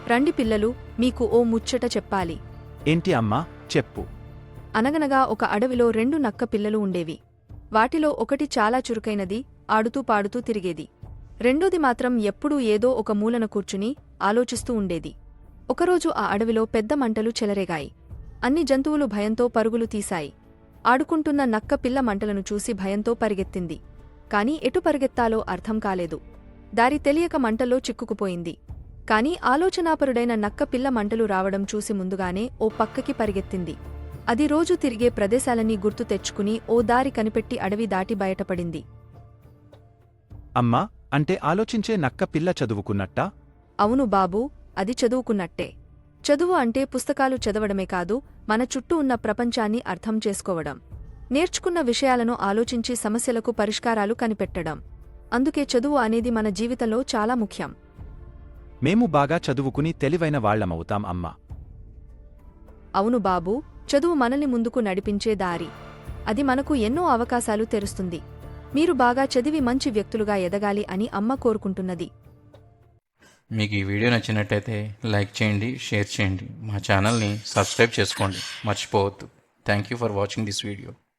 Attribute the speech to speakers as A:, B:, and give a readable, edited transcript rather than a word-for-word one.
A: రండి పిల్లలు, మీకు ఓ ముచ్చట చెప్పాలి.
B: ఏంటి అమ్మా, చెప్పు.
A: అనగనగా ఒక అడవిలో 2 నక్క పిల్లలు ఉండేవి. వాటిలో ఒకటి చాలా చురుకైనది, ఆడుతూ పాడుతూ తిరిగేది. రెండోది మాత్రం ఎప్పుడూ ఏదో ఒక మూలన కూర్చుని ఆలోచిస్తూ ఉండేది. ఒకరోజు ఆ అడవిలో పెద్ద మంటలు చెలరేగాయి. అన్ని జంతువులు భయంతో పరుగులు తీశాయి. ఆడుకుంటున్న నక్క పిల్ల మంటలను చూసి భయంతో పరిగెత్తింది. కాని ఎటు పరిగెత్తాలో అర్థం కాలేదు. దారి తెలియక మంటల్లో చిక్కుకుపోయింది. కాని ఆలోచనాపరుడైన నక్క పిల్ల మంటలు రావడం చూసి ముందుగానే ఓ పక్కకి పరిగెత్తింది. అది రోజూ తిరిగే ప్రదేశాలన్నీ గుర్తు తెచ్చుకుని ఓ దారి కనిపెట్టి అడవి దాటి బయటపడింది.
B: అమ్మా, అంటే ఆలోచించే నక్క పిల్ల చదువుకున్నట్టా?
A: అవును బాబూ, అది చదువుకున్నట్టే. చదువు అంటే పుస్తకాలు చదవడమే కాదు, మన చుట్టూ ఉన్న ప్రపంచాన్ని అర్థం చేసుకోవడం, నేర్చుకున్న విషయాలను ఆలోచించి సమస్యలకు పరిష్కారాలు కనిపెట్టడం. అందుకే చదువు అనేది మన జీవితంలో చాలా ముఖ్యం.
B: మేము బాగా చదువుకుని తెలివైన వాళ్లమవుతాం అమ్మా.
A: అవును బాబూ, చదువు మనల్ని ముందుకు నడిపించే దారి. అది మనకు ఎన్నో అవకాశాలు తెరుస్తుంది. మీరు బాగా చదివి మంచి వ్యక్తులుగా ఎదగాలి అని అమ్మ కోరుకుంటున్నది.
C: మీకు ఈ వీడియో నచ్చినట్టయితే లైక్ చేయండి, షేర్ చేయండి, మా ఛానల్ని సబ్స్క్రైబ్ చేసుకోండి మర్చిపోవద్దు. Thank you for watching this video.